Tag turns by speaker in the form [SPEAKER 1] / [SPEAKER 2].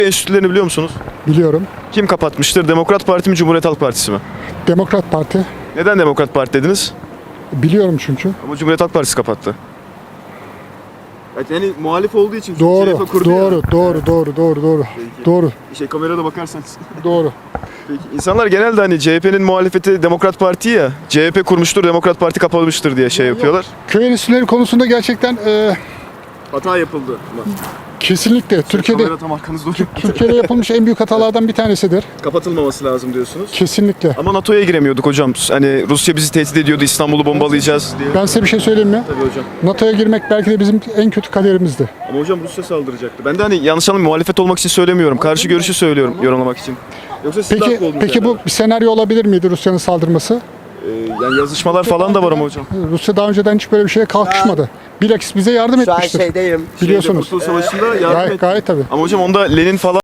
[SPEAKER 1] enstitülerini biliyor musunuz?
[SPEAKER 2] Biliyorum.
[SPEAKER 1] Kim kapatmıştır? Demokrat Parti mi, Cumhuriyet Halk Partisi mi?
[SPEAKER 2] Demokrat Parti.
[SPEAKER 1] Neden Demokrat Parti dediniz?
[SPEAKER 2] Biliyorum çünkü.
[SPEAKER 1] Ama Cumhuriyet Halk Partisi kapattı. Yani muhalif olduğu için
[SPEAKER 2] Doğru, doğru. Doğru,
[SPEAKER 1] kamerada bakarsanız.
[SPEAKER 2] doğru.
[SPEAKER 1] Peki, insanlar genelde hani CHP'nin muhalefeti Demokrat Parti ya, CHP kurmuştur, Demokrat Parti kapatmıştır diye şey yapıyorlar.
[SPEAKER 2] Köy enstitüleri konusunda gerçekten
[SPEAKER 1] Hata yapıldı.
[SPEAKER 2] kesinlikle Türkiye'de
[SPEAKER 1] tam arkanızda oluyor.
[SPEAKER 2] Türkiye'de yapılmış en büyük hatalardan bir tanesidir.
[SPEAKER 1] Kapatılmaması lazım diyorsunuz.
[SPEAKER 2] Kesinlikle.
[SPEAKER 1] Ama NATO'ya giremiyorduk hocam. Hani Rusya bizi tehdit ediyordu, İstanbul'u bombalayacağız diye.
[SPEAKER 2] Ben size bir şey söyleyeyim mi?
[SPEAKER 1] Tabii hocam.
[SPEAKER 2] NATO'ya girmek belki de bizim en kötü kaderimizdi.
[SPEAKER 1] Ama hocam Rusya saldıracaktı. Ben de hani yanlış anlamayın, muhalefet olmak için söylemiyorum. Karşı görüşü söylüyorum yorumlamak için. Yoksa siz de haklı oldunuz
[SPEAKER 2] Peki bu
[SPEAKER 1] herhalde.
[SPEAKER 2] bir senaryo olabilir miydi Rusya'nın saldırması?
[SPEAKER 1] Yani yazışmalar falan da var ama hocam.
[SPEAKER 2] Rusya daha önceden hiç böyle bir şeye kalkışmadı. Bilakis bize yardım
[SPEAKER 3] Şu an
[SPEAKER 2] etmiştir.
[SPEAKER 3] şeydeyim.
[SPEAKER 2] Biliyorsunuz.
[SPEAKER 1] Kurtuluş Savaşı'nda yardım etti.
[SPEAKER 2] Gayet tabii.
[SPEAKER 1] Ama hocam onda Lenin falan